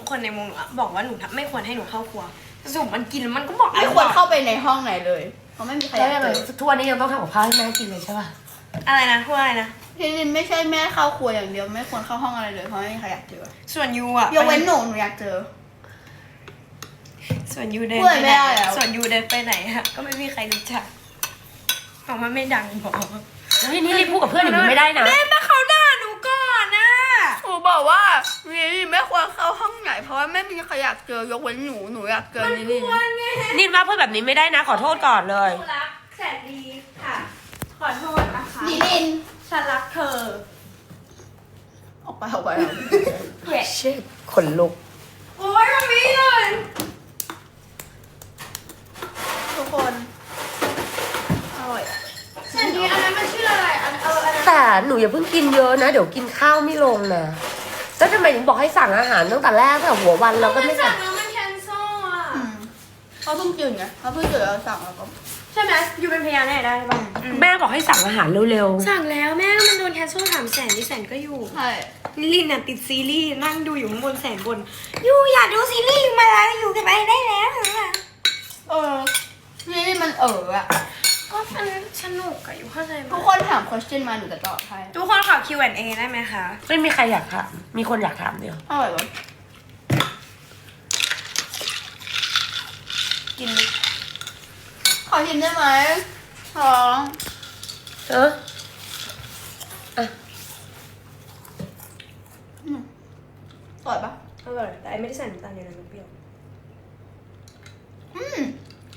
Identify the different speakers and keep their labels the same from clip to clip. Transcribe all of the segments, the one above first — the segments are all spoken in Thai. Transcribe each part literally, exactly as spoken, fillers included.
Speaker 1: คนในวงบอกว่าหนูไม่ควรให้หนูเข้าครัวสรุปมันกินแล้วมันก็บอก
Speaker 2: ไม่ควรเข้าไปในห้องไหนเลยเพราะไม่มีใครอยากเจอ
Speaker 3: ทุกวันนี้ยังต้องทำกับข้าวให้แม่กินเลยใช่ป่ะ
Speaker 1: อะไรนะพูดอะไรนะ
Speaker 2: พี่ลินไม่ใช่แม่เข้าครัวอย่างเดียวไม่ควรเข้าห้องอะไรเลยเพราะไม่มีใครอยากเจอ
Speaker 1: ส่วนยูอ่ะ
Speaker 2: ยกเว้นหนูหนูอยากเจอ
Speaker 1: ส่วนยูเดิน
Speaker 2: พูด
Speaker 1: ไป
Speaker 2: ไม่
Speaker 1: ไหน
Speaker 2: ได้แล้ว
Speaker 1: ส่วนยูเดินไปไหนฮะก็ไม่มีใครรู้จักเพราะมันไม่ดังพอ
Speaker 3: แล้วทีนี้รีบพูดกับเพื่อนอย่างนี้ไม่ได้นะ
Speaker 1: แม่มาเขาด่าหนูก่อนนะ
Speaker 2: หนูบอกว่าลิลไม่ควรเข้าห้องไหนเพราะว่าไม่มีใครอยากเจอยกเว้นหนูหนูอยากเจอลิลลี่
Speaker 3: นินว่าพูดแบบนี้ไม่ได้นะ ขอโทษก่อนเลย
Speaker 1: หนูรักแสนดีค่ะ ขอโทษนะคะ
Speaker 2: ลิลลิน
Speaker 1: ฉันรักเธอ
Speaker 2: ออกไปออกไป
Speaker 1: เว้ย
Speaker 3: เช็ดขนลุก
Speaker 1: โอ้ยมันมีเลย
Speaker 2: ทุกคนอร่อย
Speaker 1: แสนดีอันนั้นมันชื่ออะไรอันเอออันนั้น
Speaker 3: แต่หนูอย่าเพิ่งกินเยอะนะ เดี๋ยวกินข้าวไม่ลงนะแล้วทำไมถึงบอกให้สั่งอาหารตั้งแต่แรกตั้งแต่หัววันเราก็ไม่
Speaker 1: สั่
Speaker 3: สั่
Speaker 1: ง
Speaker 3: ง
Speaker 1: แล้วมันแคนเซิลอ่ะ
Speaker 2: อืมเขาเพิ่งตื่นไงเขาเพิ่งตื่นแล้วสั่งแล้วก็
Speaker 1: ใช่ไหมยูเป็นพยานได้ได้ป่ะ
Speaker 3: แม่บอกให้สั่งอาหารเร็ว
Speaker 1: สั่งแล้วแม่มันโดนแคนเซิลถามแสนที่แสนก็อยู่
Speaker 2: ใช่
Speaker 1: นิลินน่ะติดซีรีส์นั่งดูอยู่ข้างบนแสนบนยูอยากดูซีรีส์ยูมาแล้วอยู่กันไปได้แล้วอะ
Speaker 2: เออลิลลี่มันเอออะ
Speaker 1: ก็มันสนุกอะอยู่เข้าใจไหม
Speaker 2: ทุกคนถาม question มาหนูจะตอบให้
Speaker 1: ทุกคนขอ คิว แอนด์ เอ ได้ไหมคะ
Speaker 3: ๆ ไม่มีใครอยากถามมีคนอยากถามเดียว
Speaker 2: อร่อยปะ
Speaker 1: กินดิ
Speaker 2: ขอชิมได้ไหมท้อง
Speaker 3: เออ
Speaker 2: อร่อยปะ
Speaker 1: อร่อยแต่ไอไม่ได้ใส่น้ำตาลเยอะนะมันเปรี้ยว
Speaker 2: อืม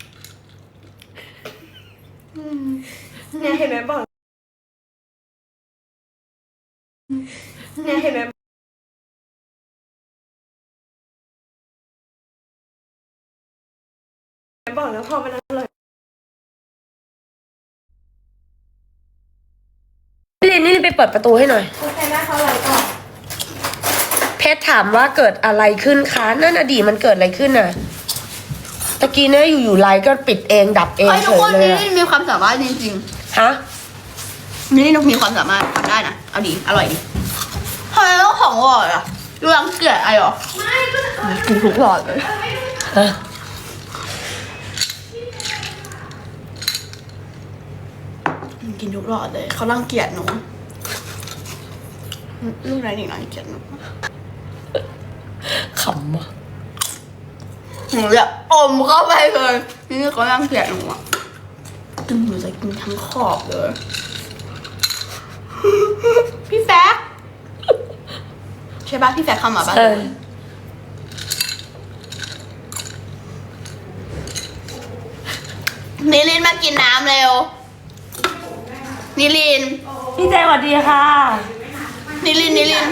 Speaker 2: อืม
Speaker 1: เนี่ยเห็นไหมบอกเนี่ยเห็นไหมบอกแล้วพอมันอร่อย
Speaker 3: นี่ลินนี่ลินไปเปิดประตูให้หน่อย
Speaker 1: โอเคนะเขาอร่อยก่อน
Speaker 3: เพชรถามว่าเกิดอะไรขึ้นคะนั่นอดีตมันเกิดอะไรขึ้นน่ะตะกี้เนี่ยอยู่ๆไลน์ก็ปิดเองดับเอง
Speaker 2: ไอ้
Speaker 3: เฉ
Speaker 2: ทุก
Speaker 3: ย
Speaker 2: คน
Speaker 3: เลย
Speaker 2: นี่
Speaker 3: อะ
Speaker 2: มีความสามารถจริง
Speaker 3: ฮะ
Speaker 2: ๆนี่นกมีความสามารถทำได้นะ เอาดี อร่อยดีทำไมต้องของอร่อยอ่ะดูรังเกียจอะไรหรอ
Speaker 1: ไม่ก็จะเออ
Speaker 2: กินทุกหลอดเลย
Speaker 3: ฮะ
Speaker 2: กินทุกหลอดเลย เขารังเกียจหนูลูกไหนหนึ่งรังเกียจหนู
Speaker 3: ขำอ่ะ
Speaker 2: หนูจะอมเข้าไปเลยนี่เขารังเกียจหนูอ่ะกินหนูจะกินทั้งขอบเลย พี่แฟกใช่ปะพี่แฟกเข้ามาปะ
Speaker 3: เออ
Speaker 2: นิลินมากินน้ำเร็ว นิลิน
Speaker 3: พี่เจสวัสดีค่ะ
Speaker 2: นิลิน นิลิน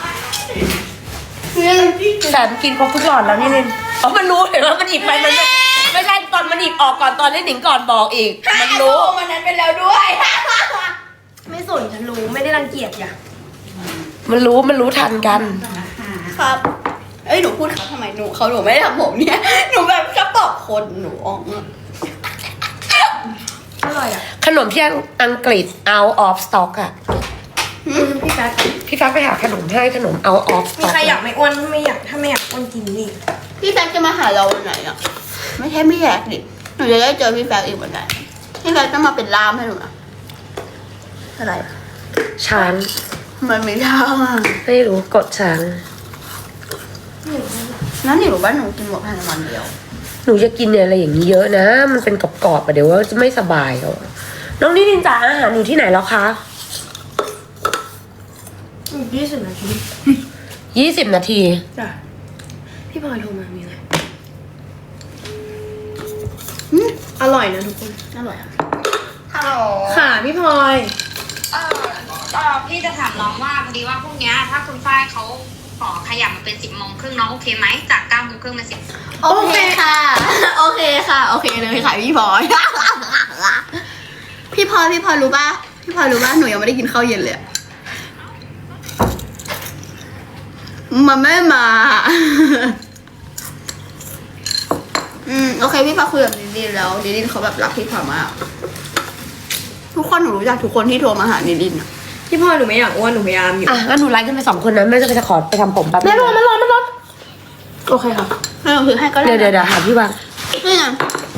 Speaker 2: นิลิน
Speaker 3: แต่กินครบทุกหลอดแล้วนี่ลินอ๋อมันรู้เห็นว่ามันหยิบไปมันไม่ไม่ใช่ตอนมันหยิบออกก่อนตอนเล่นหนิงก่อนบอกอีก มันรู้
Speaker 2: มันนั้นไปแล้วด้วย
Speaker 1: ไม่สนฉันรู้ไม่ได้รังเกียจอย่า
Speaker 3: มันรู้มันรู้ทันกัน
Speaker 2: ครับ เอ้ยหนูพูดเขาทำไมหนูเขาหนูไม่ได้ทำผมเนี่ย หนูแบบจะตอบคนหนูอ๋องอะ
Speaker 1: อร่อยอ่ะ
Speaker 3: ขนมที่อังกฤษ out of stock อ่ะ
Speaker 1: พี่แป๊ก
Speaker 3: พี่ฟ้าไปหาขนมให้ขนม out of
Speaker 1: มี
Speaker 3: stock
Speaker 1: ใครอยากไม่อ้วนไม่อยากถ้าไม่อยากอ้วนกินนี่
Speaker 2: พี่แฟกจะมาหาเราวันไหนอ่ะ ไม่ใช่ไม่อยากดิหนูจะได้เจอพี่แฟกอีกวันไหนพี่แฟกต้องมาเป็นล่ามให้หนูนะอะไร
Speaker 3: ช้าง
Speaker 2: มันไม่ได้อะ
Speaker 3: ไม่รู้กดช้าง
Speaker 2: นั่นหนูว่าหนูกินหมดภายในวันเดียว
Speaker 3: หนูจะกินอะไรอย่างนี้เยอะนะ มันเป็นกรอบๆอ่ะเดี๋ยวว่าจะไม่สบายเขาน้องนิรินจ๋าอาหารอยู่ที่ไหนแล้วคะ
Speaker 1: ยี่สิบนาที
Speaker 3: ยี่สิบนาที
Speaker 1: จ้ะพี่พลอยโทรมามีอะไร
Speaker 2: อืม
Speaker 1: อร่อยนะทุกคน
Speaker 2: อร่อยอ่ะ
Speaker 4: ฮัลโหล
Speaker 1: ค่ะพี่พลอย
Speaker 4: เออเออพี่จะถามน้องว่าพอดีว่าพรุ่งเนี้ยถ้าคุณฝ้ายเขาขอขยับมาเป็นสิบโมงครึ่งน้องโอเคไหมจากเก้าโมงครึ่งเป็นสิบ
Speaker 2: โอเคค่ะ โอเคค่ะ โอเคเลยค่ะพี่พลอย พี่พลอยพี่พลอยรู้ป่ะ พี่พลอยรู้ป่ะ หนูยังไม่ได้กินข้าวเย็นเลยอะมันไม่มา อืมโอเคพี่พลอยคุยกับดิดินแล้วดิดินเขาแบบรักพี่พลอยมาก ทุกคนหนูรู้จักทุกคนที่โทรมาหาดิดินอะ
Speaker 1: พี่พลอยหนูไม่อยากอ้วนหนูพยายามอยู่
Speaker 3: อ่ะงั้นหนูไลน์ขึ้นไปสองคนนะแม่จะไปจะขอไปทำผมแป๊บนึง
Speaker 1: แม่ร้อนมันร้อนมันร้อน
Speaker 3: โอเคค่ะ
Speaker 2: ให้หนูถือให้ก็ได้
Speaker 3: เดี๋ยวเดี๋ยวเดี๋ยวหาพี่วาง
Speaker 2: นี่ไง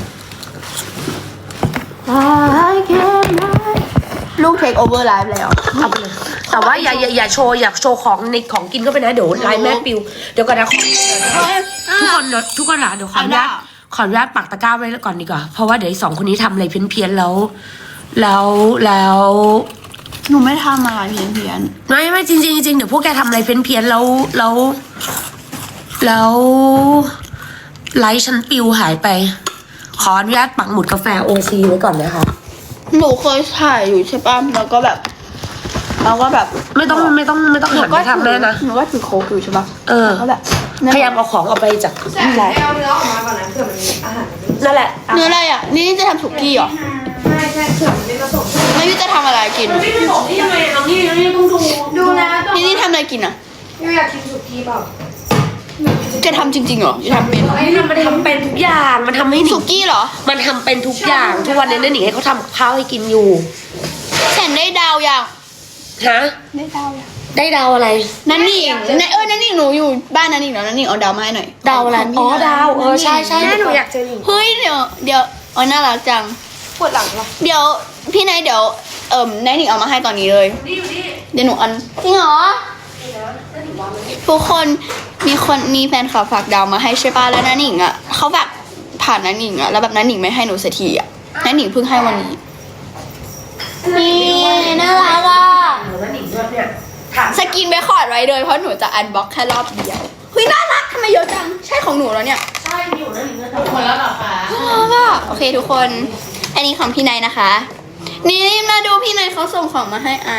Speaker 2: ลูกเทคโอเวอร์ไลฟ์แล้ว
Speaker 3: เอาไปเลยแต่ว่าอย่าอย่าอย่าโชว์อย่าโชว์ของในของกินก็ไปนะเดี๋ยวไลน์แม่ปิวเดี๋ยวก่อนนะขอทุกคนเดี๋ยวทุกคนนะเดี๋ยวขออนุญาตขออนุญาตปักตะกร้าไว้ก่อนดีกว่าเพราะว่าเดี๋ยวไอ้สองคนนี้ทำอะไรเพี้ยนๆแล้ว แล้วแล้ว
Speaker 2: หนูไม่ทำอะไรเพี้ยนเพี้ยน
Speaker 3: ไม่ไม่จริงๆจริงๆเดี๋ยวพวกแกทำอะไรเพี้ยนๆแล้วแล้วแล้วไลฟ์ฉันปิวหายไป ขออนุญาตปักหมุดกาแฟโอซีไว้ก่อนนะคะ
Speaker 2: หนูเคยถ่ายอยู่ใช่ป่ะแล้วก็แบบแล้วก็แบบ
Speaker 3: ไม่ต้องไม่ต้องไม่ต้อง
Speaker 2: หนู
Speaker 3: หัน
Speaker 2: ก็
Speaker 3: ไปทำได้นะ
Speaker 2: หนูก็ถือโค้กอยู่ใช่ป่ะ
Speaker 3: เออ
Speaker 2: แล้วก็แบบ
Speaker 3: พยายามเอาของออกไปจาก
Speaker 1: แต่ไม่เอาเนื้อออกมาก่อนนะเผื่อมันมีอาหารมันไม่
Speaker 3: นั่นแหละ
Speaker 2: เนื้ออะไรอ่ะนี่จะทำสุกี้เหรอ
Speaker 1: ใช่ใช่เผื่อมันไม่ผสม
Speaker 2: ไม่รู้จะทำอะไรกิน
Speaker 1: มันไม่ผสมที่ทำไมเอานี่นี่ต้องดูดูนะ
Speaker 2: นี่นี่ทำอะไรกินอ่ะ
Speaker 1: ยูอยากกินสุกี้เปล่า
Speaker 2: จะทำจริงๆเหรอจะทำเป็น
Speaker 3: ไอ้นี่มันทำเป็นทุกอย่างมันทำให้หนิ
Speaker 2: สุ
Speaker 3: ง
Speaker 2: กี้เหรอ
Speaker 3: มันทำเป็นทุกอย่างทุกวันนี้เนี่ยหนิงให้เขาทำกับข้าวให้กินอยู่
Speaker 2: แสนได้ดาวยัง
Speaker 3: ฮะ
Speaker 2: ได้ดาวยัง
Speaker 3: ได้ดาวอะไร
Speaker 2: นั่นนี่ในเออนั่นนี่หนูอยู่บ้านนั่นนี่เนาะนั่นนี่เอาดาวมาให้หน่อย
Speaker 3: ดาวอะไรอ๋อดาวเออใช่ใช่
Speaker 1: แม่หนูอยากเจอหนิง
Speaker 2: เฮ้ยเดี๋ยวเดี๋ยวอ๋อน่ารักจัง
Speaker 1: ปวดหลังเหรอ
Speaker 2: เดี๋ยวพี่นายเดี๋ยวเอิ่มนายหนิงเอามาให้ตอนนี้เลย
Speaker 1: นี่อยู่นี่
Speaker 2: เดี๋ยวหนูอันจริงเหรอทุกคนมีคนมีแฟนคลับฝากดาวมาให้ใช่ป่ะแล้วนายหนิงอ่ะเขาแบบผ่านนายหนิงอ่ะแล้วแบบนายหนิงไม่ให้หนูสักทีอ่ะนายหนิงเพิ่งให้วันนี้นี่น่ารักอ่ะ
Speaker 3: แล้วหนิงด้วยเนี่ยถาม
Speaker 2: สกินไปคอร์ดไว้เลยเพราะหนูจะอันบ็อกแค่รอบเดียวเฮ้ยน่ารักทำไมเยอะจังใช่ของหนูแล้วเนี่ย
Speaker 3: ใช่อยู่นะหนิงเนี่ย
Speaker 2: หมดแล้วเหรอคะก็โอเคทุกคน อันนี้ของพี่นายนะคะ นี่มาดูพี่นายเขาส่งของมาให้ไอ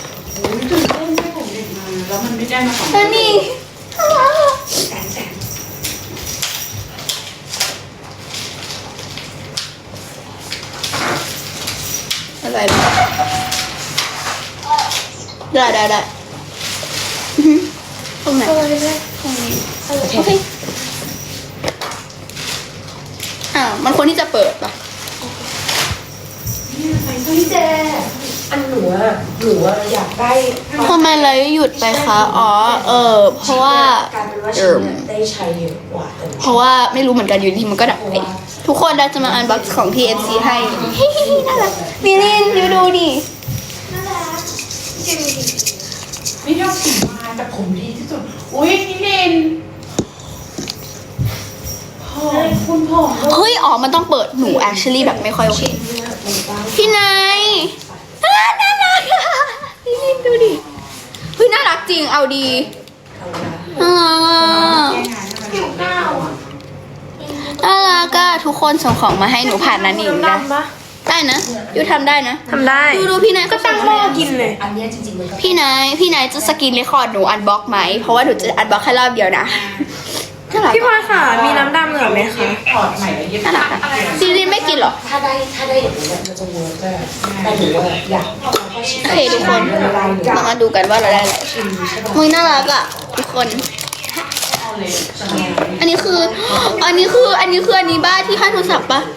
Speaker 5: แล้วมันไม่ได้มาของ
Speaker 2: แล้วนี่
Speaker 1: แสนแสน
Speaker 2: อะไรบ้างได้ได้ได้อื้อหือตรงไหนตรงนี้โอเคอ้าวมันควรที่จะเปิดปะ
Speaker 1: พี่เจ
Speaker 3: อันหนูอะหนูอะอยากได้
Speaker 2: ทำไมเลยหยุดไปคะอ๋อเออเพราะว่า
Speaker 3: กลายเป็นว่า
Speaker 2: เอ
Speaker 3: ฉัน
Speaker 2: อ
Speaker 3: เนี่ยได้ใช้เยอะกว่าแต่
Speaker 2: เพราะว่าไม่รู้เหมือนกันอยู่ดีมันก็ดับไปทุกคนเราจะมาอันบ็อกซ์ของ ที เอ็ม ซี ให้เฮ้ยน่ารักมิลินยูดูดิ
Speaker 5: ไม่ชอบสีมาแต่ผมดีที่สุด อุ้ยนี่เลนผมคุณผม
Speaker 2: เฮ้ยอ๋อมันต้องเปิดหนู actually แบบไม่ค่อยโอเคพี่นายอ่าน่ารักอะมิลินดูดิเฮ้ยน่ารักจริงเอาดีน่ารักอะน่ารักอะทุกคนส่งของมาให้หนูผ่านนันนิงนะได้นะยูทำได้นะ
Speaker 1: ทำได้
Speaker 2: ดูดูพี่นายก็ตั้งหม้อกินเลย
Speaker 3: อันเนี้ยจริงๆมันก็
Speaker 2: พี่นาย พี่นายจะสกินเรคคอร์ดหนูอันบ็อกไหม เพราะว่าหนูจะอันบ็อกแค่รอบเดียวนะน่ารัก
Speaker 1: พี่พลอยค่ะ มีน้ำดำเหลือไหมคะ
Speaker 5: ถอดใหม่แล้วเย็บ
Speaker 2: น่ารักอะซีรีส์ไม่กินเหรอ
Speaker 3: ถ้าได้ถ้าได้อย่างนี้ยมันจะเวิร์กได้แต่หนูอะอยาก
Speaker 2: โอเคทุกคนเรามาดูกันว่าเราได้อะไรมึงน่ารักอ่ะทุกคน อันนี้คือ อันนี้คือ อันนี้คืออันนี้บ้าที่ให้โทรศัพท์ปะ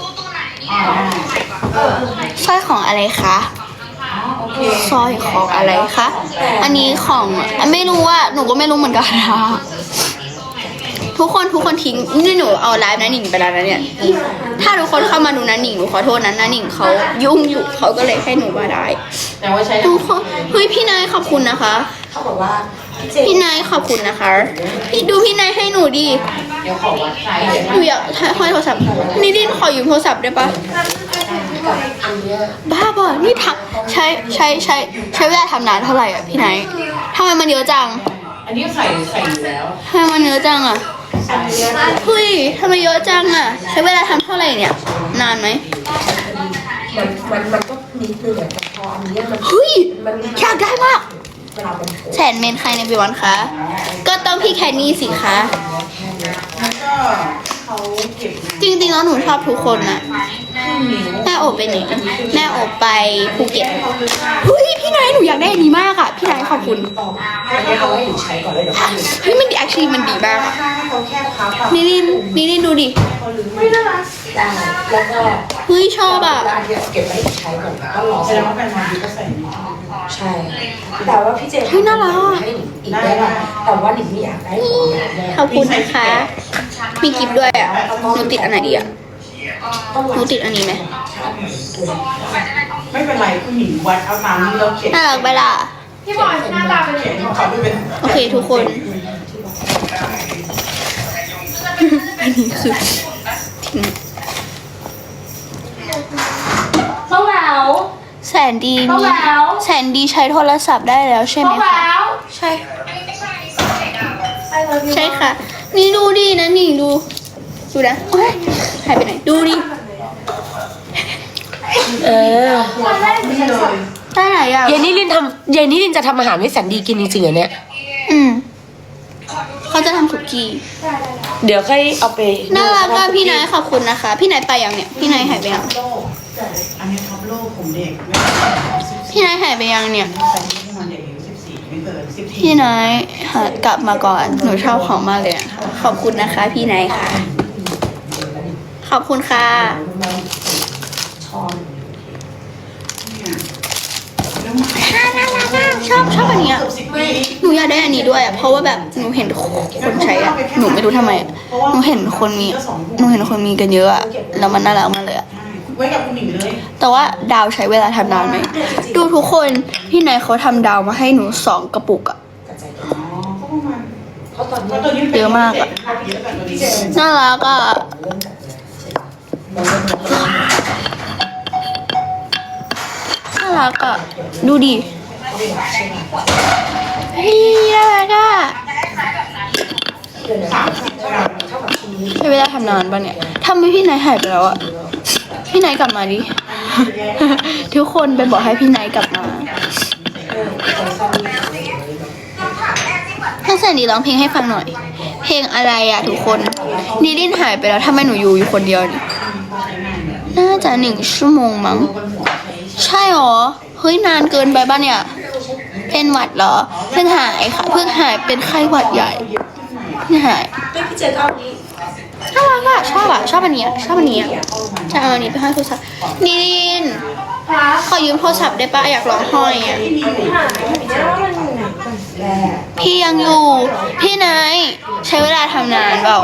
Speaker 2: สร้อยของอะไรคะสร้อยของอะไรคะ อันนี้ของไม่รู้ว่าหนูก็ไม่รู้เหมือนกันนะทุกคนทุกคนทิ้งนี่หนูเอาไลฟ์นะหนิงไปแล้วนะเนี่ย ถ้าทุกคนเข้ามาดูนะหนิงหนูขอโทษนะนะหนิงเขายุ่งอยู่เขาก็เลยให้หนูมาได้
Speaker 5: แต่ว่าใช้
Speaker 2: ทุกคนเฮ้ยพี่นายขอบคุณนะคะ
Speaker 3: เขาบอกว่าเจ
Speaker 2: พี่นายขอบคุณนะคะ พี่ดูพี่นายให้หนูดิ
Speaker 5: เดี๋ยวขอวัดไซส์
Speaker 2: หนูอยากห้อยโทรศัพท์นี่ดินขอยืมโทรศัพท์ได้ปะ
Speaker 3: กับอันเนี้ย
Speaker 2: บ้าบ่นี่ทำใช้ใช้ใช้ใช้เวลาทำนานเท่าไหร่อ่ะพี่นายทำไมมันเยอะจัง
Speaker 5: อันนี้ใส่ใส่อยู่แล้ว
Speaker 2: ทำไมมันเยอะจังอ่ะเฮ้ยทำไมเยอะจังอ่ะ ใช้เวลาทำเท่าไหร่เนี่ย นานไหม
Speaker 3: มันมันมันก็นิดนึงอะแต่พออันเนี้ยมัน
Speaker 2: เฮ้ย
Speaker 3: มัน
Speaker 2: อยากได้มาก
Speaker 3: เวลามัน
Speaker 2: แสนเมนใครในบิวันคะ ก็ต้องพี่แคนนี่สิคะ
Speaker 5: แล้วก็เขาเก็บ
Speaker 2: จริงๆแล้วหนูชอบทุกคนนะแม่โอบไปไหนแม่โอบไปภูเก็ตเฮ้ยพี่นายหนูอยากได้อันนี้มากอ่ะ พี่นายขอบคุณ
Speaker 3: ต่ออันเนี้ยเอาไว้หนูใช้ก่อนเลยเดี๋ยวเขาลืม
Speaker 2: เฮ้ยมันดี actually มันดีมากอะ
Speaker 5: ถ้าเขาแค่พับอะ
Speaker 2: นี่นี่นี่นี่ดูดิ
Speaker 5: เขาลืมไม่ได้
Speaker 3: ได้แล้วก็
Speaker 2: เฮ้ยชอบอ่ะ
Speaker 3: แล้วอันเนี้ยเก็บไว้ให้หนูใช้ก่อนก็รอ
Speaker 5: แสดงว่าเป็นวันดีก็ใส่นี้
Speaker 3: ใช่แต่ว่าพี่เจ
Speaker 2: เฮ้ยน่ารักอะ
Speaker 3: ให้หนูอีกได้ป่ะแต่ว่าหนิงไม่อยากได้ของแบบเนี้ย
Speaker 2: ขอบคุณนะคะ
Speaker 5: แ
Speaker 2: มีกิฟต์ด้วยอ่ะหนูติดอันไหนดีอ่ะหนูติดอันนี้ไหม
Speaker 5: ไม่เป็นไรคุณหญิงวัดเอาตามที่เราเขียน
Speaker 2: น่ารักไปล่ะ
Speaker 5: พี่บอยหน้าตาเป็นเขียนของเขาไม่เป็น
Speaker 2: โอเคทุกคน อันนี้คือทิ้ง
Speaker 3: เท่าแหวว
Speaker 2: แสนดี
Speaker 3: เท่า
Speaker 2: มี
Speaker 3: แหวว
Speaker 2: แสนดีใช้โทรศัพท์ได้แล้วใช่ไหม
Speaker 3: เท่าแหว
Speaker 2: คะ
Speaker 3: ว
Speaker 2: ใช่ ใช่ค่ะ นี่ดูดินะนี่ดู ดูนะโอ๊ยหายไปไหน ดูดิ
Speaker 3: เออ
Speaker 5: นี่เลย
Speaker 2: ได้ไหนอ่ะ
Speaker 3: เยนนี่ลินทำเยนนี่ลินจะทำอาหารให้แสนดีกินจริงๆเหรอเนี่ย
Speaker 2: อืมเขาจะทำสุกี้
Speaker 3: เดี๋ยวค่อยเอาไป
Speaker 2: น่ารักอ่ะพี่นายขอบคุณนะคะ พี่นายไปยังเนี่ย พี่นายหายไปยัง
Speaker 5: โลกอันนี้ท็อปโลกผมเด็กไม่
Speaker 2: พี่นายหายไปยังเนี่ย
Speaker 5: ใส่ที่มันเด็กอายุสิบสี่ไม่เกินสิบสี่
Speaker 2: พี่นายหากลับมาก่อน หนูชอบของมากเลยนะคะขอบคุณนะคะ พี่นายค่ะ ขอบคุณค่ะ ชอบชอบอันเนี้ย
Speaker 5: สิบปี
Speaker 2: หนูอยากได้อันนี้ด้วยอะเพราะว่าแบบหนูเห็นคนใช้อะหนูไม่รู้ทำไมอะหนูเห็นคนมี หนูเห็นคนมีกันเยอะอะแล้วมันน่ารักมากเลยอะ
Speaker 5: ไว้กับคุณหญิงเลย
Speaker 2: แต่ว่าดาวใช้เวลาทำนานไหม ดูทุกคน พี่นายเขาทำดาวมาให้หนูสองกระปุกอะ
Speaker 5: อ๋อก็ประมาณเพราะตัวนี้
Speaker 2: เยอะมากอะ
Speaker 5: เยอะกว่าตัวนี้
Speaker 2: น่ารักอะน่ารักอะดูดิเฮ้ยน่ารักอะ
Speaker 5: สามสิบกรัม
Speaker 2: ใช้เวลาทำนานปะเนี่ยทำไมพี่นายหายไปแล้วอะพี่นายกลับมาดิ ทุกคนไปบอกให้พี่นายกลับมาให้แสนดีร้องเพลงให้ฟังหน่อย เพลงอะไรอะทุกคนนิลินหายไปแล้วทำไมหนูอยู่อยู่คนเดียวนี่น่าจะหนึ่งชั่วโมงมั้ง ใช่หรอ เฮ้ยนานเกินไปป่ะเนี่ย เป็นหวัดเหรอ เพิ่งหายค่ะ เพิ่งหายเป็นไข้หวัดใหญ่เพิ่งหายน่ารักอะชอบอะชอบอันเนี้ยชอบอันเนี้ยจะเอาอันนี้ไปให้โทรศัพท์นิลินขอยืมโทรศัพท์ได้ปะอยากลองห้อยอะพี่ยังอยู่ พี่นายใช้เวลาทำนานเปล่า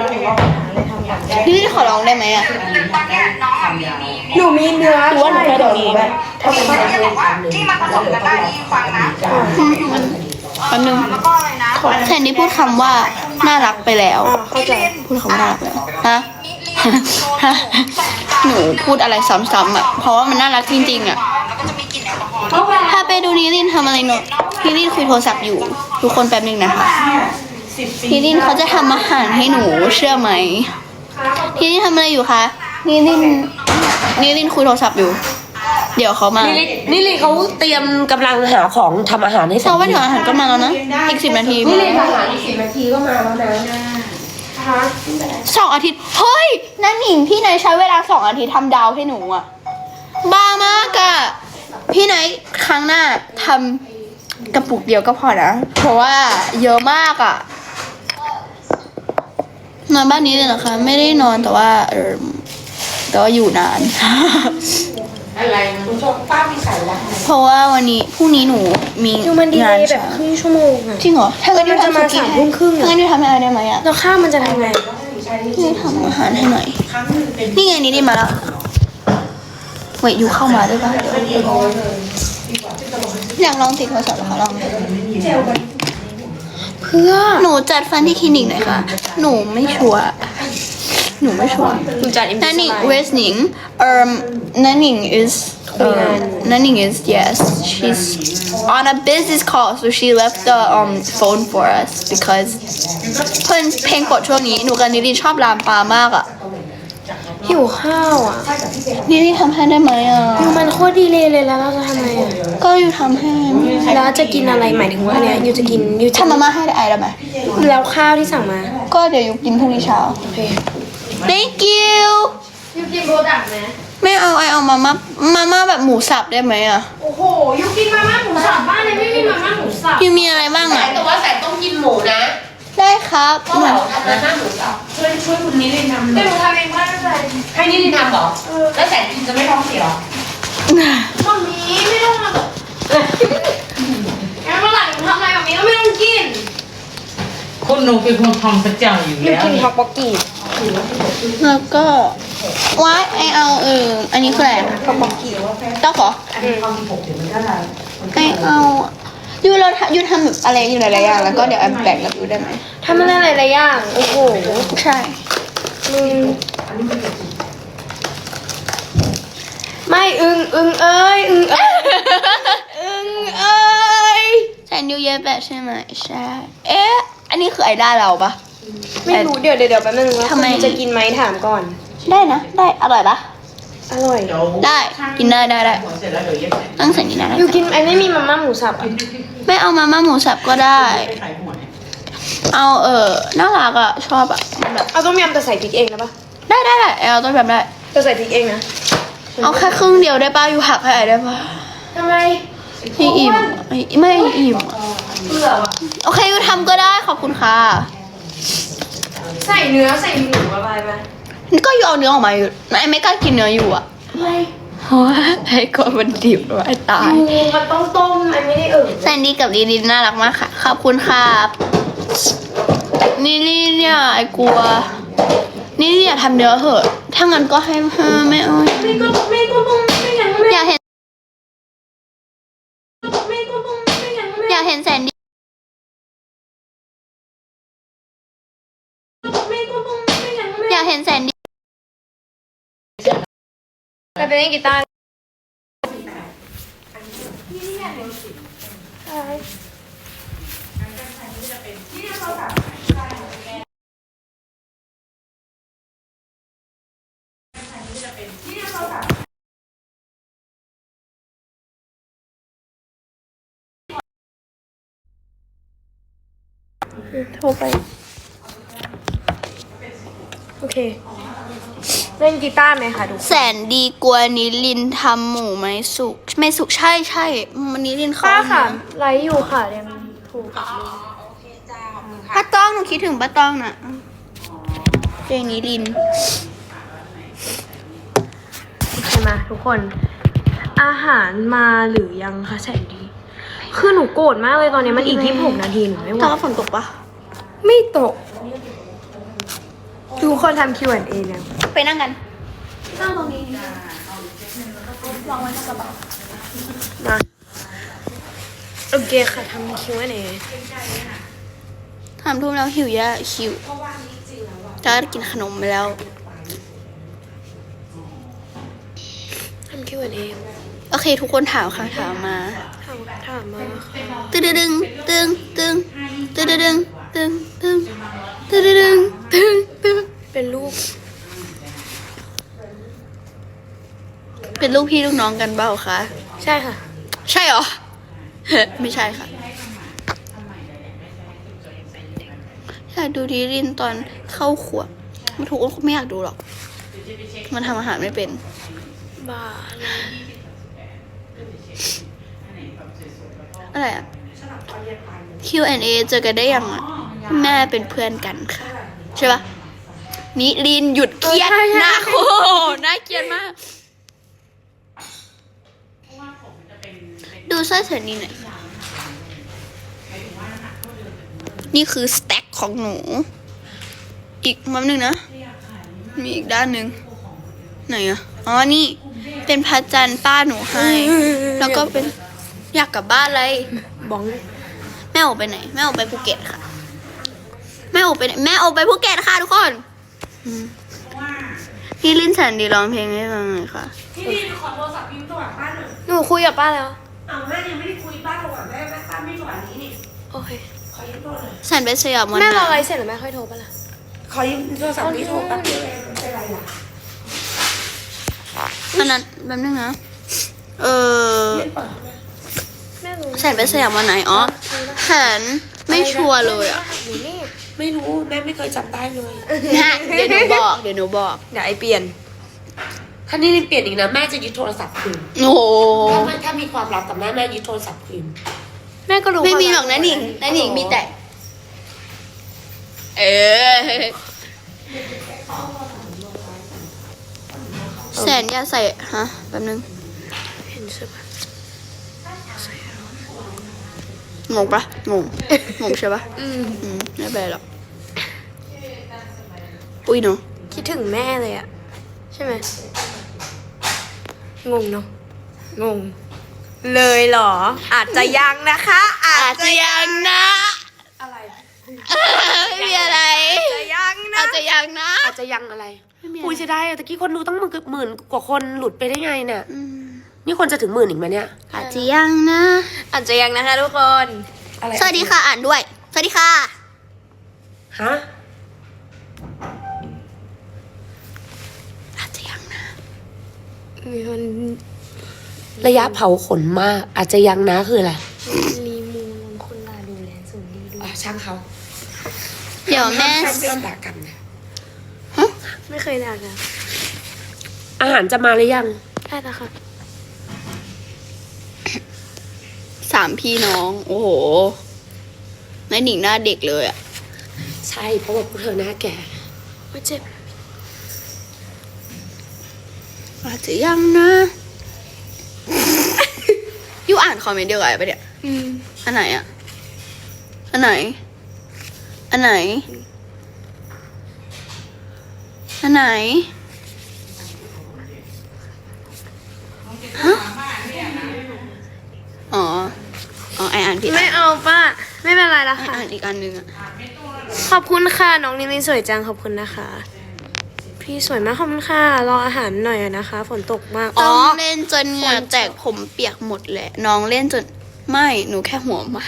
Speaker 2: นี่ขอลองได้ไหมอะ
Speaker 4: ตอนเนี้ยน้องอะมีมี
Speaker 1: หนูมีเนื้อ
Speaker 2: หรือว่าหนูแค่ตรงนี้
Speaker 4: เขาจะบอกว่าที่มันผสมกันได้ที่ฟังนะ
Speaker 2: อืมมันแป๊บนึง
Speaker 4: แล้วก็อะไรนะ
Speaker 2: แทนที่พูดคำว่าน่ารักไปแล้วเข้าใจพูดคำว่าน่ารักแล้วฮะ ฮะหนูพูดอะไรซ้ำๆอ่ะเพราะว่ามันน่ารักจริงๆอ่ะ
Speaker 4: แล้วก็จะมีกลิ่นแอลกอฮอล์
Speaker 2: ถ้าไปดูนิลินทำอะไรหนูนิลินคุยโทรศัพท์อยู่ ทุกคนแป๊บนึงนะคะ
Speaker 5: สิบปี
Speaker 2: นิลินเขาจะทำอาหารให้หนูเชื่อไหมนิลินทำอะไรอยู่คะนิลินนิลินคุยโทรศัพท์อยู่ เดี๋ยวเขามา
Speaker 3: นี่ลินนี่ลินเขาเตรียมกำลังหาของทำอาหารให้แส
Speaker 2: เพ
Speaker 3: น
Speaker 2: ราะว่า
Speaker 3: ดี
Speaker 2: เดี๋ยวอาหารก็มาแล้วนะอีกสิบนาที
Speaker 3: นี่ลินอาหารอีกสิบนาทีก็มาแล้วนะ
Speaker 2: สองอาทิตย์เฮ้ยนั่นหนิงพี่นายใช้เวลาสองอาทิตย์ทำดาวให้หนูอะบ้ามากอะพี่นายครั้งหน้าทำกระปุกเดียวก็พอนะ เพราะว่าเยอะมากอะนอนบ้านนี้เลยเหรอคะ ไม่ได้นอนแต่ว่าเออแต่ว่าอยู่นาน
Speaker 5: อะไรคุณชมป้ามีสายรัก
Speaker 2: เพราะว่าวันนี้พรุ่งนี้หนูมี
Speaker 1: ดูมันดี
Speaker 2: งาน
Speaker 1: เลยแบบ
Speaker 2: เช้า
Speaker 1: ครึ่งชั่วโมงอะ
Speaker 2: จริงเหรอถ้างั้น
Speaker 1: มันจะมา
Speaker 2: ทำสุกี้
Speaker 1: สามทุ่มครึ่งอะ
Speaker 2: ถ้างั้นดิวทำให้อะไรได้ไหมอะ
Speaker 1: แล้วข้าวมันจะทำไง
Speaker 2: นี่ทำอาหารให้หน่อย
Speaker 5: ครั้งหนึ่งเป็น
Speaker 2: นี่ไงนี่ได้มาแล้วเวทอยู่เข้ามาด้วยป่ะเดี๋ยว
Speaker 5: เดียวเลย
Speaker 2: อยากลองติดโทรศัพท์เหรอคะลอง
Speaker 1: เพื่อ
Speaker 2: หนูจัดฟันที่คลินิกหน่อยค่ะ หนูไม่ชัวร์ หนูไม่ชัวร์
Speaker 1: หนูจัดอิน
Speaker 2: นั่นนี่เวสนิงเอ่อนั่นนิง is เอ่อนั่นนิง is yes she's on a business call so she left the um phone for us because เพื่อนเพลงกดช่วงนี้หนูกับนิรินชอบลามปามากอ่ะ
Speaker 1: หิวข้าวอ่ะ
Speaker 2: นิรินทำให้ได้ไหมอ่ะ
Speaker 1: ยูมันโคตรดีเลยเลยแล้วเราจะทำไงอ่ะ
Speaker 2: ก็อยู่ทำให้
Speaker 1: แล้วจะกินอะไรหมายถึงว่าเนี่ยยูจะกินยูจะ
Speaker 2: ทำมาม่าให้ได้ไหม
Speaker 1: แล้วข้าวที่สั่งมา
Speaker 2: ก็เดี๋ยวอยู่กินพรุ่งนี้เช้า
Speaker 1: โอเค
Speaker 2: thank you
Speaker 1: ยูกินโบดักไหม
Speaker 2: ไม่เอาไอเอามาม่ามาม่าแบบหมูสับได้ไหมอ่ะ
Speaker 1: โอ้โหยูกินมาม่าหมูสับบ้านเลยไม่มีมาม่าหมูสับ
Speaker 2: ยูมีอะไรบ้างอ่ะ
Speaker 3: แต่ว่าแสนต้องกินหมูนะ
Speaker 2: ได้ครับ
Speaker 3: ก็แบบทำมาม่าหมูสับช่วยช่วยคุณนิลินทำ
Speaker 1: แต่หนูทำเองไม่ได้
Speaker 3: ให้นิลินทำเหรอแล้วแสนกินจะไม่ท้องเสียหรอ
Speaker 1: มัมมี่ไม่ต้องมางั้นเมื่อไหร่หนูทำอะไรแบบนี้ก็ไม่ต้องกิน
Speaker 5: คนหนูเป็นคนทำประจำอยู่
Speaker 1: หนู
Speaker 5: แล้ว
Speaker 1: กินฮอกบกกี้
Speaker 2: แล้วก็ว้ายไอเอาเอออันนี้คืออะไร
Speaker 1: ฮอกบกกี้
Speaker 2: เต้าขอไอเอายูเราทำยูทำแบบอะไรอยู่หลายๆอย่างแล้วก็เดี๋ยวแอมแบ่งกับยูได้ไหม
Speaker 1: ทำอะไรหลายๆอย่างโอ้โห
Speaker 2: ใช่
Speaker 1: มึงไม่อึงอึงเอ้ยอึงเอ้ยอึงเอ้ย
Speaker 2: แซนยูเยอะแบบใช่ไหมใช่เอ๊ะอันนี้คือไอด้าเราปะ
Speaker 1: ไม่รู้เดี๋ยวเดี๋ยวเดี๋ยวแป๊บนึงว่า
Speaker 2: ทำไม
Speaker 1: คุณจะกินไหมถามก่อน
Speaker 2: ได้นะได้อร่อยปะ
Speaker 1: อร่อย
Speaker 2: ได้กินได้ได้ได้
Speaker 5: เสร็จแล้วเดี๋ยวเย็บ
Speaker 2: ตั้งใส่นี่นะได้
Speaker 1: อยู่กินไอ้ไม่มีมาม่าหมูสับอ่ะ
Speaker 2: ไม่เอามาม่าหมูสับก็ได้
Speaker 5: ไปขายหัวเนี่ย
Speaker 2: เอาเออน่ารักอะชอบอะมันแบบ
Speaker 1: เอาต้มยำแต่ใส่พริกเองนะปะ
Speaker 2: ได้ได้ได้เอาต้นแบบได้
Speaker 1: แต่ใส่พริกเองนะ
Speaker 2: เอาแค่ครึ่งเดียวได้ป่ะอยู่หักให้ไอได้ป่ะ
Speaker 1: ทำไม
Speaker 2: ให้อิ่มให้ไม่อิ่มอะโอเคยูทำก็ได้ขอบคุณค่ะ
Speaker 1: ใส่เนื้อใส่หมูอะไรไหม
Speaker 2: นี่ก็อยู่เอาเนื้อออกมาอยู่ไอไม่กล้ากินเนื้ออยู่อะ
Speaker 1: ไม่
Speaker 2: เพราะว่าไอ้กลัวมันดิบไว้ตาย
Speaker 1: หมูมันต้องต้มอันไม่ได้เอ่ย
Speaker 2: แซนดี้กับลิลินน่ารักมากค่ะขอบคุณครับนี่นี่เนี่ยไอ้กลัว นี่อย่าทำเนื้อเหอะ ถ้างั้นก็ให้เธอไม่เอา
Speaker 1: ไม่ก็ไม่ก็ต้องไม่อย่างนั้น
Speaker 2: อยากเห็น
Speaker 1: ไม่ก็ต้องไม่อย่างนั้น
Speaker 2: อยากเห็นแซนดี้
Speaker 1: ไม่ก็ต้องไม่อย่างนั้น
Speaker 2: อยากเห็นแซนดี้
Speaker 1: แต่เป็นเล่นกีตาร์โทรไปโอเคเล่นกีตาร์ไหมคะทุกคน
Speaker 2: แสนดีกลัวนิลินทำหมูไหมสุกไม่สุกใช่ใช่มันนิลินเขา
Speaker 1: ป้าค่ะไลฟ์อยู่ค่ะเรียนถูกกับลุง
Speaker 2: ป้าต้องหนูคิดถึงป้าต้องน่ะเพลงนิลิน
Speaker 1: โอเคมาทุกคน อาหารมาหรือยังคะแสนดี คือหนูโกรธมากเลยตอนนี้มันอีกยี่สิบหกนาทีหนูไม่ไหว
Speaker 2: แต่ว่าฝนตกปะ
Speaker 1: ไม่ตก ทุกคนทำ คิว แอนด์ เอ แล้ว
Speaker 2: ไปนั่งกันนั่งตรงนี้วางไว้ในกระเป๋า
Speaker 1: มาโอเคค่ะทำ คิว แอนด์ เอ
Speaker 2: ถามทุ่มแล้วหิวยะหิวจะกินขนมไปแล้ว
Speaker 1: ทำ คิว แอนด์ เอ
Speaker 2: โอเค ทุกคนถามคำถามมา
Speaker 1: ถามถามมาค่ะ
Speaker 2: ตึงตึงตึงตึงตึงตึงตึงตึงตึงตึงตึงตึง
Speaker 1: เป็นลูก
Speaker 2: เป็นลูกพี่ลูกน้องกันเปล่าคะ
Speaker 1: ใช่ค่ะ
Speaker 2: ใช่เหรอ ไม่ใช่ค่ะอยากดูดีรินตอนเข้าขวบมันถูกคนไม่อยากดูหรอก มันทำอาหารไม่เป็น
Speaker 1: บ้า
Speaker 2: อะไรอะ คิว แอนด์ เอ เจอกันได้ยังอะแม่เป็นเพื่อนกันค่ะ ใช่ปะนิลินหยุดเครียดหน้าโคน่าเกลียดมาก ดูสร้อยเส้นนี้หน่อย นี่คือสแต็กของหนู อีกมัมหนึ่งนะ มีอีกด้านหนึ่งไหนอะอ๋อ นี่ เป็นพระจันทร์ป้าหนูให้ แล้วก็เป็นอยากกลับบ้านเลย
Speaker 1: บ้อง
Speaker 2: แม่โอไปไหน แม่โอไปภูเก็ตค่ะ แม่โอไปไหนแม่โอไปภูเก็ตค่ะทุกคนอืมพี่ลินแสนดีร้องเพลงให้ฟังหน่อยค่ะ
Speaker 5: พี่ดีขอโทรศัพท์พิมพ์ตัวป้าหน่อย
Speaker 1: หนูคุยกับป้าแล้ว
Speaker 5: อ้าวแม่ยังไม่ได้คุยป้าโทรก่อนแม่แม่ป้าไม่โทรอันนี้นี่
Speaker 1: โอเค
Speaker 5: ขอยืมโทรหน่อย
Speaker 2: แสนไปสยามวัน
Speaker 1: แม่
Speaker 2: ไหน
Speaker 1: รอไลฟ์เสร็จแล้วแม่ค่อยโทรป่ะล่ะ
Speaker 5: ขอยืมโทรศัพท์นี้โทรแป๊บเดียวเองไม่เป็นไรล่ะ
Speaker 2: อันนั้นแป๊บนึงนะ เออ
Speaker 1: แม่รู้
Speaker 2: แสนไปสยามวันไหน อ๋อแสนไม่ชัวร์เลยอ่ะ
Speaker 1: หนูนี่
Speaker 5: ไม่รู้แม่ไม่เคยจำได้เลย
Speaker 2: นะเดี๋ยวหนูบอก เดี๋ยวหนูบอก
Speaker 1: เดี๋ยวไอเปลี่ยน
Speaker 5: ถ้านี่เปลี่ยนอีกนะแม่จะยึดโทรศัพท์คืน
Speaker 2: โอ้โห
Speaker 5: ถ้าไม่ถ้ามีความลับกับแม่แม่ยึดโทรศัพท์คืน
Speaker 1: แม่ก็รู้
Speaker 2: ไม่มี
Speaker 1: ควา
Speaker 2: หรอกนะหนิงนะหนิงมีแต่ เออ แสนอย่าใส่ ฮะ แป๊บนึง
Speaker 1: เห็นใช่ปะ
Speaker 2: งงปะงง งงใช่ปะ
Speaker 1: อืม
Speaker 2: อืมไม่เป็นไรหรอกอุ้ยเนาะ
Speaker 1: คิดถึงแม่เลยอะใช่ไหมงงเนาะงง เลยเหรอ อาจจะยังนะคะ อาจ
Speaker 2: อาจ
Speaker 1: จะ
Speaker 2: จะยังนะ
Speaker 1: อะไร
Speaker 2: ไม่มีอะไร
Speaker 1: จะยังนะ
Speaker 2: อาจจะยังนะ
Speaker 3: อาจจะยังอะไร
Speaker 2: ไม่มีอะไร
Speaker 3: อุ้ยจะได้ตะกี้คนดูต้องหมื่นหมื่นกว่าคนหลุดไปได้ไงเนี่ย
Speaker 2: อืม
Speaker 3: นี่คนจะถึงหมื่นอีกไหมเนี่ย
Speaker 2: อาจจะยังนะ
Speaker 1: อาจจะยังนะคะทุกคน
Speaker 3: อะไร
Speaker 2: สวัสดีค่ะอ่านด้วย สวัสดีค่ะ
Speaker 3: ฮะ
Speaker 2: อาจจะยังนะ
Speaker 1: มีคน
Speaker 3: ระยะเผาขนมาก อาจจะยังนะคืออะไร
Speaker 1: รีมูลคนลาดูแลสูงดีด้วย
Speaker 3: อ่ะช่างเขา
Speaker 2: เดี๋ยวแม่
Speaker 3: ห้ามห้ามด่ากันนะ
Speaker 1: ไม่เคยด่ากัน
Speaker 3: อาหารจะมาหรือยัง
Speaker 1: ได้แล้วค่ะ
Speaker 2: สามพี่น้อง โอ้โหนายหนิงหน้าเด็กเลยอ่ะ
Speaker 3: ใช่เพราะว่าพวกเธอหน้าแก่
Speaker 1: ว่าเจ็บ
Speaker 2: อาจจะยังนะยูอ่านคอมเมนต์เดียวกันปะเนี่ย
Speaker 1: อืม
Speaker 2: อันไหนอ่ะ อันไหน อันไหน อันไหน ฮะ อ๋อ อ๋อไออ่านผิด
Speaker 1: ไม่เอาป้า ไม่เป็นไรละ
Speaker 2: ไอ
Speaker 1: ค่ะ
Speaker 2: อ่านอีกอันหนึ่งอ่ะ
Speaker 1: ขอบคุณค่ะ น้องนิลินสวยจังขอบคุณนะคะ พี่สวยมากขอบคุณค่ะ รออาหารหน่อยนะคะ ฝนตกมาก
Speaker 2: ต้
Speaker 1: อ๋
Speaker 2: อ
Speaker 1: อ
Speaker 2: งเล่นจนเหงื่อแตกผมเปียกหมดแหละ น้องเล่นจน ไม่ หนูแค่หัวมัน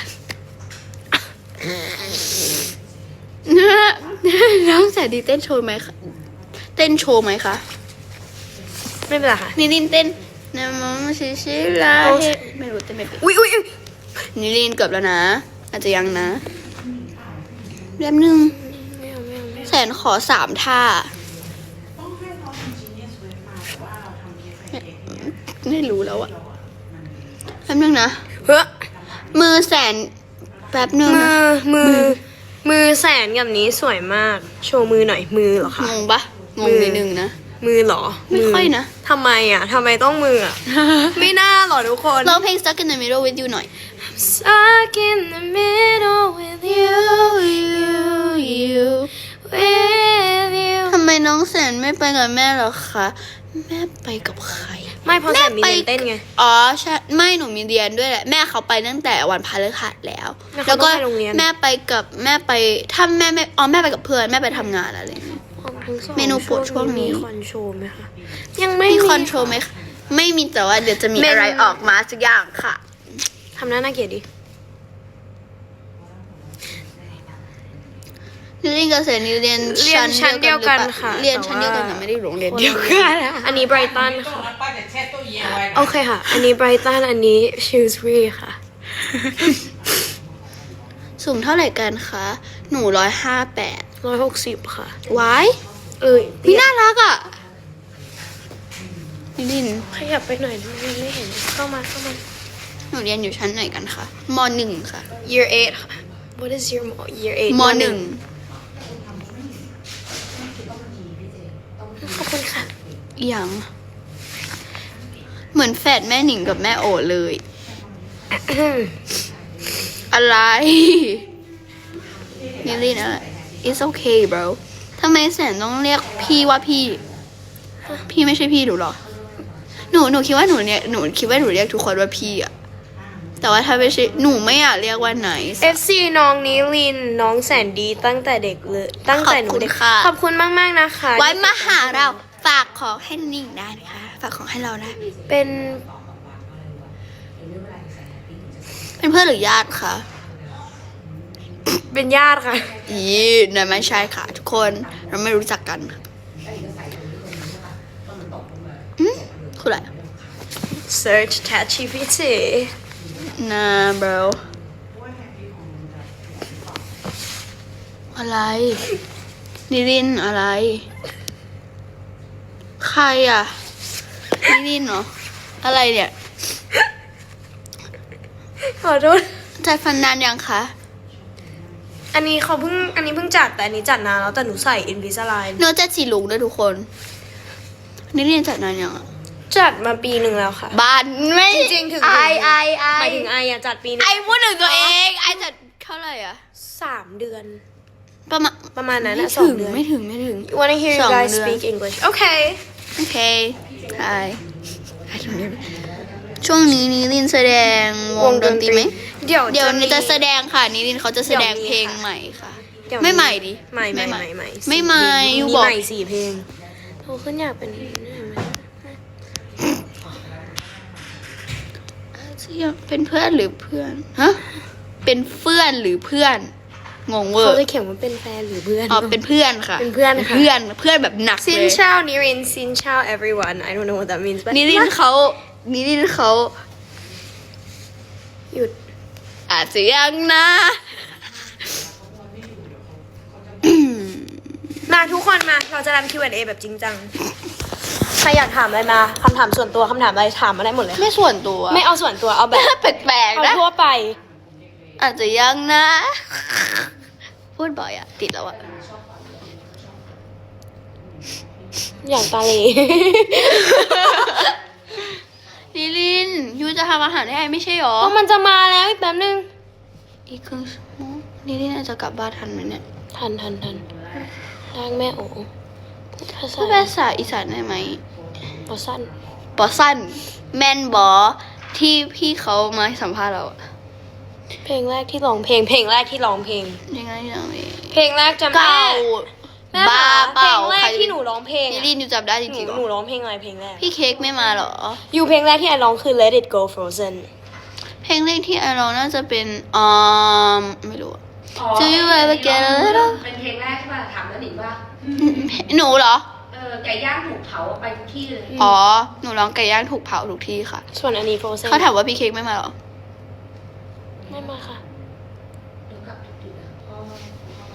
Speaker 2: น้องแสนดีเต้นโชว์ไหมคะ เต้นโชว์ไหมคะ
Speaker 1: ไม่เป็นไรค่ะ
Speaker 2: นิลินเต้นนะมอมชิชิลา
Speaker 1: โอ้
Speaker 2: เฮไม่รู้เต้นไม่เป็น
Speaker 1: อุ้ยอุ้ยอุ๊ย
Speaker 2: นิลินเกือบแล้วนะ อาจจะยังนะแป๊บนึง
Speaker 1: ไม่เอาไม่เอาไม่เอา
Speaker 2: แสนขอสามท่า ไม่รู้แล้วอะแป๊บนึงนะ
Speaker 1: เฮ้อ
Speaker 2: มือแสนแป๊บนึง
Speaker 1: มื
Speaker 2: นะ
Speaker 1: อ มือ มือแสนกับนี้สวยมาก โชว์มือหน่อย มือเหรอคะ
Speaker 2: งงปะงงนิดนึงนะ
Speaker 1: มือเหรอ
Speaker 2: ไม่ค่อยนะ
Speaker 1: ทำไมอ่ะทำไมต้องมืออ่ะ ไม่น่าหรอทุกคน
Speaker 2: ร้องเพลง Stuck in the Middle with you หน่อย
Speaker 1: Stuck in the middle with you you you with you
Speaker 2: ทำไมน้องแสนไม่ไปกับแม่เหรอคะ แม่ไปกับใคร
Speaker 1: ไม่เพราะแสนมีเรียนเต้นไง
Speaker 2: อ๋อใช่ไม่หนูมีเรียนด้วยแหละ แม่เขาไปตั้งแต่วันพฤหัสแล้ว
Speaker 1: แล้วเขา
Speaker 2: แล้วก็
Speaker 1: ต้องไปโรงเรียน
Speaker 2: แม่ไปกับแม่ไปถ้าแม่ไม่อ๋อแม่ไปกับเพื่อนแม่ไปทำงานอะไรอย่างเงี้ย เมนูโปรดช่วงนี้
Speaker 1: มีคอนโทรลไหมคะ ยังไม่
Speaker 2: มีคอนโทรลไหมคะไม่มีแต่ว่าเดี๋ยวจะมี
Speaker 1: เมนู
Speaker 2: อะไรออกมาสักอย่างค่ะ
Speaker 1: ทำหน้าน่าเกลียดดิ
Speaker 2: นิรินกับเสนีเรียน
Speaker 1: เรียนชั้นเดียวกัน
Speaker 2: หรือเปล่า
Speaker 1: ค่ะ
Speaker 2: เรียนชั้นเดียวกันแต่ไม่ได้โรงเรียนเดียวกัน
Speaker 1: อันนี้ไบรตันค่ะ
Speaker 5: ป้าจะแช่ตู้เย็นไว้
Speaker 1: โอเคค่ะ อันนี้ไบรตัน อันนี้ชิลส์รีค่ะ
Speaker 2: สูงเท่าไหร่กันคะ หนูร้อยห้าแปด
Speaker 1: ร้อยหกสิบค่ะ
Speaker 2: วาย
Speaker 1: เอ้ย
Speaker 2: พี่น่ารักอ่ะนิริน
Speaker 1: ขยับไปหน่อยได้ไหมไม่เห็น เข้ามาเข้ามา
Speaker 2: หนูเรียนอยู่ชั้นไหนกันคะมหนึ่งค่ะ
Speaker 1: year eight ค่ะ what is your year eight
Speaker 2: มหนึ่ง
Speaker 1: ขอบคุณค่ะ
Speaker 2: อหย่าง เหมือนแฝดแม่หนิงกับแม่โอเลย อะไร นิรินอะไร it's okay bro ทำไมแสนต้องเรียกพี่ว่าพี่ พี่ไม่ใช่พี่หนูหรอ หนูหนูคิดว่าหนูเนี่ยหนูคิดว่าหนูเรียกทุกคนว่าพี่อะแต่ว่าถ้าไม่ใช่หนูไม่อยากเรียกว่าไหน
Speaker 1: เอฟ ซี น้องนิลิน น้องแสนดีตั้งแต่เด็กเลย ตั้งแต่หนูเด็ก
Speaker 2: ขอบคุณค่ะ
Speaker 1: ขอบคุณมากมากๆนะคะ
Speaker 2: ไว้มาหาเราฝากของให้นิ่งได้นะคะฝากของให้เราได้
Speaker 1: เป็น
Speaker 2: เป็นเพื่อนหรือญาติคะ
Speaker 1: เป็นญาติค่ะ
Speaker 2: อีนั่นไม่ใช่ค่ะ ทุกคนเราไม่รู้จักกันอืมคืออะไร
Speaker 1: search chatจี พี ที
Speaker 2: นะ bro อะไร นิรินอะไร ใครอ่ะ นิรินเหรอ อะไรเนี่ย
Speaker 1: ขอโทษ
Speaker 2: จ่ายฟันนานยังคะ
Speaker 1: อันนี้เขาเพิ่ง อันนี้เพิ่งจัด แต่อันนี้จัดนานแล้ว แต่หนูใส่ Invisalign
Speaker 2: เนื้อจะสีลุงด้วยทุกคน นิรินจัดนานยังอ่ะ
Speaker 1: จัดมาปีหนึ่งแล้วค่ะ
Speaker 2: บ้านไม่
Speaker 1: จริงๆถึง
Speaker 2: ไอไอไอ
Speaker 1: หมายถึงไออะจัดปีหนึง
Speaker 2: ไอพูดถึงตัวเองไอจัดเท่าไหร่อะ
Speaker 1: สามเดือน
Speaker 2: ประมาณ
Speaker 1: ประมาณนั้น
Speaker 2: ไม่
Speaker 1: อะสอ
Speaker 2: ถึ
Speaker 1: ง
Speaker 2: ง
Speaker 1: เดือน
Speaker 2: ไม่ถึงไม่ถึง
Speaker 1: Wanna hear
Speaker 2: ส
Speaker 1: you
Speaker 2: อง
Speaker 1: guys
Speaker 2: เดือน
Speaker 1: speak English Okay
Speaker 2: โอเคไอช่วงนี้นิรินแสดงวงดนตรีไหม
Speaker 1: เดี๋ยว
Speaker 2: เดี๋ยว
Speaker 1: มี
Speaker 2: จะแสดงค่ะนิรินเขาจะแสดง
Speaker 1: เดี๋ยวมี
Speaker 2: เพลง
Speaker 1: ค่ะ
Speaker 2: ใหม่ค่ะ
Speaker 1: เดี๋ยว
Speaker 2: ไม่ใหม่ดิ
Speaker 1: ใหม่ใหม่
Speaker 2: ไม่
Speaker 1: ให
Speaker 2: ใหม่
Speaker 1: ม่ใหม่
Speaker 2: ไม่ใหม่
Speaker 1: สี่
Speaker 2: อยู่
Speaker 1: มี
Speaker 2: บอก
Speaker 1: ใหม่สี่เพลงโทขึ้นอยากเป็น
Speaker 2: เป็นเพื่อนหรือเพื่อนฮะเป็นเพื่อนหรือเพื่อนงงเวอ
Speaker 1: เขา
Speaker 2: ร์
Speaker 1: จะเขียนว่าเป็นแฟนหรือเพื่อน
Speaker 2: อ๋อเป็นเพื่อนค่ะ
Speaker 1: เป็นเพื่อนค่ะ
Speaker 2: เพื่อนเพื่อนแบบหนัก
Speaker 1: ซิ
Speaker 2: เล
Speaker 1: น
Speaker 2: ย
Speaker 1: เชานิรินซินเชา everyone I don't know what that means but
Speaker 2: นิรินเขานิรินเขา
Speaker 1: หยุด
Speaker 2: อาจจะยังนะ
Speaker 1: มาทุกคนมา เราจะทำ คิว แอนด์ เอ แบบจริงจัง ใครอยากถามอะไรมาคำถามส่วนตัวคำถามอะไรถามมาได้หมดเลย
Speaker 2: ไม่ส่วนตัว
Speaker 1: ไม่เอาส่วนตัวเอาแบบ
Speaker 2: แปลกๆ
Speaker 1: เอา
Speaker 2: นะ
Speaker 1: ทั่วไป
Speaker 2: อาจจะยังนะ พูดบ่อยอะติดแล้วอะ
Speaker 1: อย่างตาเล
Speaker 2: นิรินยูจะทำอาหารให้ไอไม่ใช่หรอ
Speaker 1: เพราะมันจะมาแล้วอีกแป๊บนึง
Speaker 2: อีกครึ่งชั่วโมงนิรินอาจจะกลับบ้านทันไหมเนี่ย
Speaker 1: ทันทันทันร่างแม่โอ๋ภาษา
Speaker 2: พูดภาษาอีสานได้ไหม
Speaker 1: ภาษา
Speaker 2: บอสั้นแมนบอที่พี่เขามาสัมภาษณ์เราอะ
Speaker 1: เพลงแรกที่ร้องเพลง เพลงแรกที่ร้องเพลง
Speaker 2: ยังไงยังไง
Speaker 1: เพลงแรกจำได้
Speaker 2: เก่า
Speaker 1: แม่
Speaker 2: บ้า
Speaker 1: คะ
Speaker 2: เปล่า
Speaker 1: เพลงแร
Speaker 2: ใค
Speaker 1: กที่หนูร้องเพลง
Speaker 2: นิ
Speaker 1: อะ
Speaker 2: รินยูจำได้จ
Speaker 1: หนู
Speaker 2: ริงๆเหร
Speaker 1: หนู
Speaker 2: อ
Speaker 1: ร้องเพลงอะไรเพลงแรก
Speaker 2: พี่เค้กไม่มาเหรอ
Speaker 1: อยู่เพลงแรกที่ไอร้องคือ Let It Go Frozen
Speaker 2: เพลงแรกที่ไอร้องน่าจะเป็นอืมไม่รู้อะ Do you ever get a little
Speaker 3: เป็นเพลงแรกใช่ป่ะถามแล้วหนิงว่า
Speaker 2: หนูเหรอ
Speaker 3: เออไก่ย่างถูกเผาไปทุกที่เลย
Speaker 2: อ๋อ หนูร้องไก่ย่างถูกเผาทุกที่ค่ะ
Speaker 1: ส่วนอันนี้ Frozen
Speaker 2: เขาถามว่าพี่เค้กไม่มาเหรอ
Speaker 1: ไม่มาค่ะ
Speaker 3: เดี๋ยวกลับดึกๆนะเพราะว่า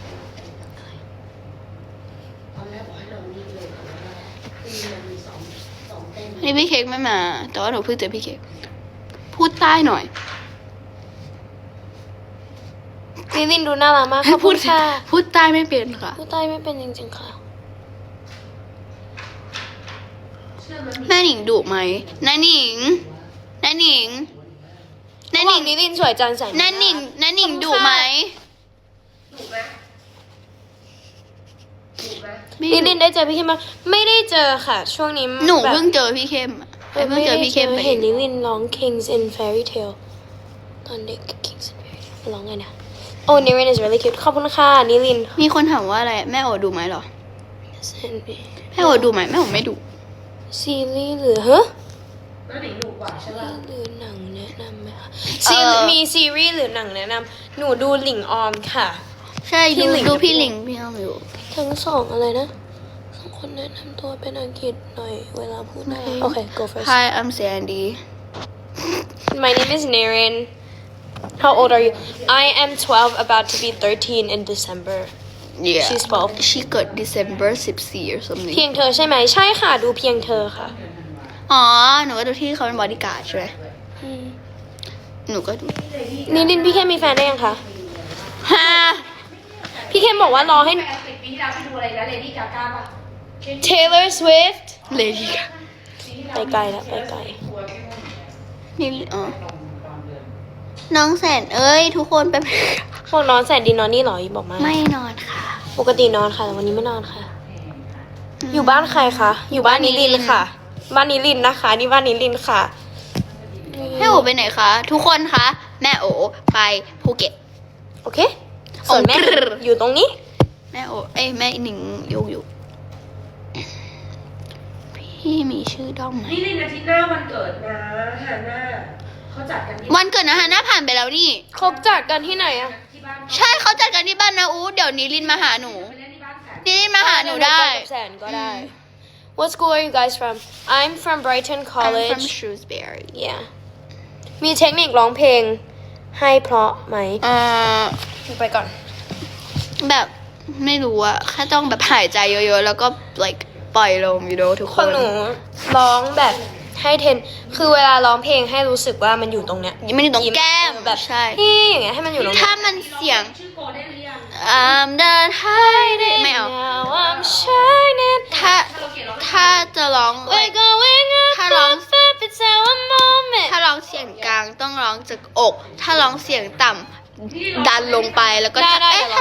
Speaker 3: ตอนแรกบอกให้นอนนี่เลยแต่ว่าคือมันมีสองสองเต้น
Speaker 2: นี่พี่เค้กไม่มา แต่ว่าหนูเพิ่งเจอพี่เค้กพูดใต้หน่อย
Speaker 1: ลิลินดูน่ารักมากขอบคุณค่ะ
Speaker 2: พูดใต้ไม่เป็นค่ะ
Speaker 1: พูดใต้ไม่เป็นจริงๆค่ะ
Speaker 2: แม่หนิงดุไหมน้าหนิงน้าหนิงน้าหนิง
Speaker 1: นิลินสวยจังใส่
Speaker 2: น้าหนิงน้าหนิงดุไหม
Speaker 3: ถูกไหมถูกไหม
Speaker 2: ไม่
Speaker 1: นิ
Speaker 2: ดุ
Speaker 1: ลินได้เจอพี่เข้มมาไม่ได้เจอค่ะ ช่วงนี้
Speaker 2: หนู
Speaker 1: แบบ
Speaker 2: เพิ่งเจอพี่เข้มอะไอ้เพิ่งเจอพี่เข้มไป
Speaker 1: เห็นนิลินร้อง Kings in Fairy Tale ตอนเด็ก Kings in Fairy Tale ร้องไงนะโอ้นิลิน is really cute ขอบคุณค่ะนิลิน
Speaker 2: มีคนถามว่าอะไรแม่โอดุไหมเหรอแม่โอดุไหมแม่โอไม่ดุ
Speaker 1: ซีรีส์หรือฮะ
Speaker 3: แล้วหนิงถูกกว่าใช่ป่ะ
Speaker 1: หรือหนังแนะนำไหมคะ
Speaker 2: เอ่อ
Speaker 1: ซีมีซีรีส์หรือหนังแนะนำหนูดูหลิงออมค่ะ
Speaker 2: ใช่
Speaker 1: พี่
Speaker 2: ดู
Speaker 1: หลิง
Speaker 2: ดูพี่หลิงพี่อ้อมอยู่
Speaker 1: ทั้งสองอะไรนะสองคนแนะนำตัวเป็นอังกฤษหน่อยเวลาพูดได้โอเค go first
Speaker 2: Hi I'm Sandy
Speaker 1: My name is Naren How old are you I am twelve about to be thirteen in December
Speaker 2: Yeah
Speaker 1: She's twelve
Speaker 2: She เกิด December สิบสี่ or something
Speaker 1: เพียงเธอใช่ไหมใช่ค่ะดูเพียงเธอค่ะ
Speaker 2: อ๋อ หนูก็ดูที่เขาเป็นบอดี้การ์ดใช่ไหม
Speaker 1: อืม
Speaker 2: หนูก็ดู
Speaker 1: นิลินพี่เข้มมีแฟนได้ยังคะ
Speaker 2: ฮะ
Speaker 1: พี่เข้มบอกว่ารอให้
Speaker 3: แปดสิบปีที่แล้วไปดูอะไรนะเลดี้กาก้าป่ะ
Speaker 1: Taylor Swift
Speaker 2: เลดี้ค่ะ
Speaker 1: ไปไกลแล้วไปไกล
Speaker 2: นี่อ๋อน้องแสนเอ้ย ทุกคนไป
Speaker 1: บอกนอนแสนดีนอนนี่เหรอบอกมา
Speaker 2: ไม่นอนค่ะ
Speaker 1: ปกตินอนค่ะแต่วันนี้ไม่นอนค่ะ อยู่บ้านใครคะ อยู่บ้านนิลินค่ะ บ้านนิลินนะคะ นี่บ้านนิลินค่ะ
Speaker 2: แม่โอไปไหนคะ ทุกคนคะ แม่โอไปภูเก็ต
Speaker 1: โอเค ส่วนแม่
Speaker 2: โอเค
Speaker 1: อยู่ตรงนี้
Speaker 2: แม่โอ เอ้ยแม่หนิงอยู่อยู่ พี่มีชื่อด้อมไหม
Speaker 3: นี่ลินอาทิตย์หน้าวันเกิดนะฮาน่าเขาจัดกันที่
Speaker 2: วันเกิดนะฮะหน้าผ่านไปแล้วนี่
Speaker 1: ครบจัดกันที่ไหนอะ
Speaker 3: ที่บ้าน
Speaker 2: ใช่เขาจัดกันที่บ้านนะอู้เดี๋ยวนี้ลินมาหาหนู
Speaker 3: ไปเล่นที่บ้านแสน
Speaker 2: นี่ลินมาหาหนูได้
Speaker 1: ปกับแสนก็ได้ What school are you guys from I'm from Brighton
Speaker 2: I'm from
Speaker 1: College
Speaker 2: Shrewsbury
Speaker 1: Yeah มีเทคนิคร้องเพลงให้เพราะไหม
Speaker 2: เอ่อ
Speaker 1: ไปก่อน
Speaker 2: แบบไม่รู้อะแค่ต้องแบบหายใจเยอะๆ แล้วก็ like ปล่อยลม you know ทุก
Speaker 1: ข
Speaker 2: ค
Speaker 1: อง
Speaker 2: น
Speaker 1: หนูร้องแบบให้เทน คือเวลาร้องเพลงให้รู้สึกว่ามันอยู่ตรงเนี้ย
Speaker 2: มันอยู่ตรงแก้ม
Speaker 1: แบบ
Speaker 2: ใช่
Speaker 1: ที่อย่างเงี้ยให้มันอยู่ตรง
Speaker 2: ถ้า
Speaker 1: เนี้ย
Speaker 2: มันเสียง
Speaker 3: ชื่อโกลเด้นหรือยัง
Speaker 2: I'm done hiding ไม่เอา
Speaker 1: Now I'm shining
Speaker 2: ถ้าถ้าจะร้อง
Speaker 1: We're going up
Speaker 2: ถ้าร้องต้องร้องจากอก ถ้าร้องเสียงต่ำดันลงไปแล้วก็
Speaker 6: ได้ได้
Speaker 2: เอ๊ะ